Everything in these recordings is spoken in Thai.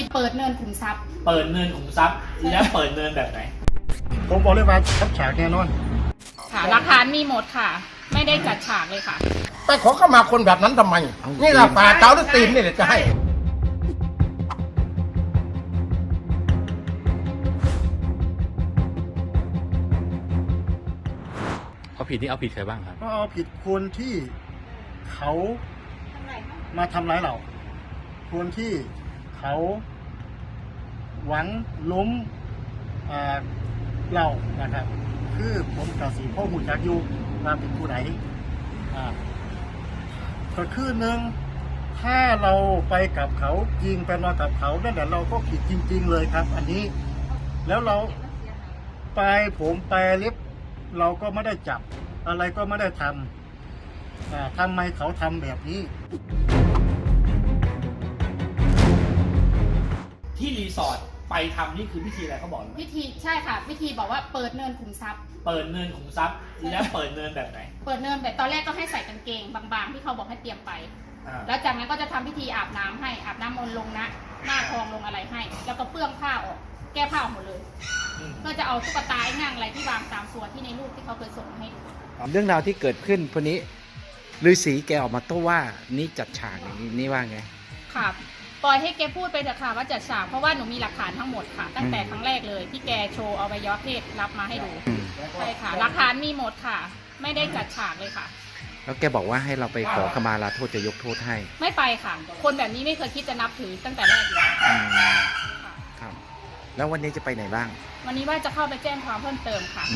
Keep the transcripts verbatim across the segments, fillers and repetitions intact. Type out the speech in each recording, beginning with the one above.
เปิดเนินขุมทรัพย์เปิดเนินขุมทรัพย์แล้วเปิดเนินแบบไหนผมบอกเลยว่าจัดฉากแน่นอนค่ะหลักฐานมีหมดค่ะ ไม่ได้จัดฉากเลยค่ะไปขอเข้ามาคนแบบนั้นทำไมนี่แหละป่าเจ้าหรือตีนนี่แหละจะให้เอาผิดนี่เอาผิดใครบ้างครับก็เอาผิดคนที่เขามาทำร้ายเราคนที่เขาหวังล้มเรานะครับคือผมกับสีพ่อหุ่นจักอยู่มาเป็นผู้ใดก็คือหนึ่งถ้าเราไปกับเขาจริงไปนอนกับเขานั่นแหละเราก็ผิดจริงๆเลยครับอันนี้แล้วเราไปผมไปเล็บเราก็ไม่ได้จับอะไรก็ไม่ได้ทำทำไมเขาทำแบบนี้ที่รีสอร์ทไปทำนี่คือพิธีอะไรเขาบอกไหมพิธีใช่ค่ะพิธีบอกว่าเปิดเนินขุมทรัพย์เปิดเนินขุมทรัพย์แล้วเปิดเนินแบบไหนเปิดเนินแบบตอนแรกก็ให้ใส่กางเกงบางๆที่เขาบอกให้เตรียมไปแล้วจากนั้นก็จะทำพิธีอาบน้ำให้อาบน้ำมนต์ลงนะหน้าทองลงอะไรให้แล้วก็เปื้องผ้าออกแก้ผ้าหมดเลยเพื่อจะเอาตุ๊กตาหนังอะไรที่วางตามส่วนที่ในรูปที่เขาเคยส่งให้ดูเรื่องราวที่เกิดขึ้นพวกนี้ฤาษีแกออกมาโต้ว่านี่จัดฉากอย่างนี้นี่ว่าไงค่ะปล่อยให้แกพูดไปเถอะค่ะว่าจัดฉากเพราะว่าหนูมีหลักฐานทั้งหมดค่ะตั้งแต่ครั้งแรกเลยที่แกโชว์อวัยวะเพศรับมาให้ดูใช่ค่ะหลักฐานมีหมดค่ะไม่ได้จัดฉากเลยค่ะแล้วแกบอกว่าให้เราไปขอขมาลาโทษจะยกโทษให้ไม่ไปค่ะคนแบบนี้ไม่เคยคิดจะนับถือตั้งแต่แรกเลยครับแล้ววันนี้จะไปไหนบ้างวันนี้ว่าจะเข้าไปแจ้งความเพิ่มเติมค่ะ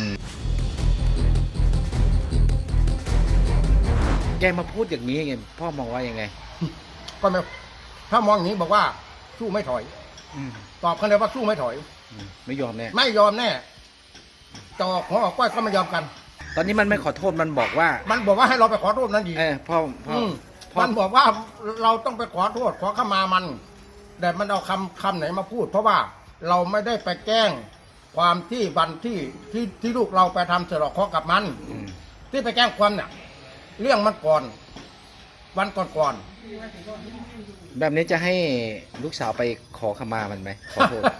แกมาพูดอย่างนี้ไงพ่อมองว่ายังไงก็ไม่ถ้ามองอย่างนี้บอกว่าสู้ไม่ถอยตอบกันเลยว่าสู้ไม่ถอยไม่ยอมแน่ไม่ยอมแน่ต่อหัวออกก้อยก็ไม่ยอมกันตอนนี้มันไม่ขอโทษมันบอกว่ามันบอกว่าให้เราไปขอโทษนั่นดีเออพ่อพ่อมันบอกว่าเราต้องไปขอโทษขอขมามันแต่มันเอาคำคำไหนมาพูดเพราะว่าเราไม่ได้ไปแกล้งความที่วันที่ที่ที่ลูกเราไปทำเสร็จเคาะกับมันที่ไปแกล้งความเนี่ยเรื่องมันก่อนวันก่อนก่อนแบบนี้จะให้ลูกสาวไปขอขมามันไหมขอโทษ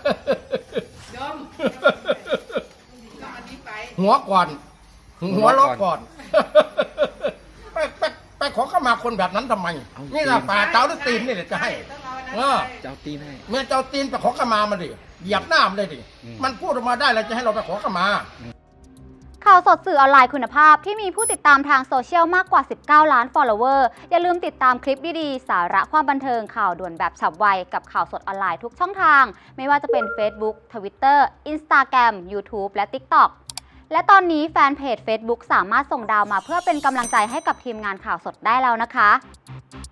หัวก่อนหัวล็อกก่อนไปไปไปขอขมาคนแบบนั้นทำไมนี่แหละป่าเจ้าหรือตีนนี่แหละจะให้เออเจ้าตีนให้เมื่อเจ้าตีนไปขอขมามันดิเหยียบหน้ามันเลยดิมันพูดออกมาได้แล้วจะให้เราไปขอขมาข่าวสดสื่อออนไลน์คุณภาพที่มีผู้ติดตามทางโซเชียลมากกว่าสิบเก้าล้าน follower อย่าลืมติดตามคลิปดีๆสาระความบันเทิงข่าวด่วนแบบฉับไวกับข่าวสดออนไลน์ทุกช่องทางไม่ว่าจะเป็น Facebook Twitter Instagram YouTube และ TikTok และตอนนี้แฟนเพจ Facebook สามารถส่งดาวมาเพื่อเป็นกำลังใจให้กับทีมงานข่าวสดได้แล้วนะคะ